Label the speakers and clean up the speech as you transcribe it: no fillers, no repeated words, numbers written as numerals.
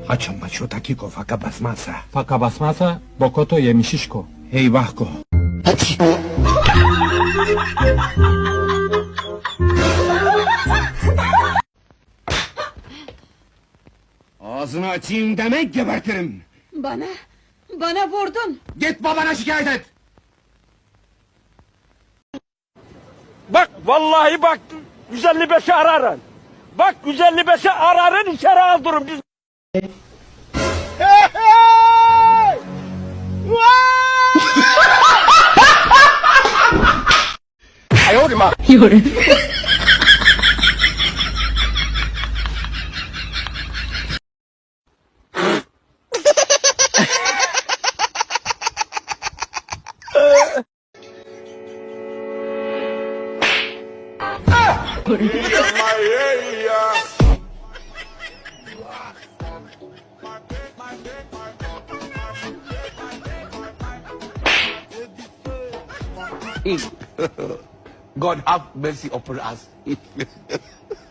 Speaker 1: Açın maço takiko faka basmazsa.
Speaker 2: Faka basmazsa Bokoto yemişişko.
Speaker 1: Eyvah ko. Ağzını açayım demek gebertirim.
Speaker 3: Bana vurdun.
Speaker 1: Git babana şikayet et.
Speaker 4: Bak vallahi bak 155'i ararın. Bak 155'i ararın içeri aldırın biz.
Speaker 5: God have mercy upon us.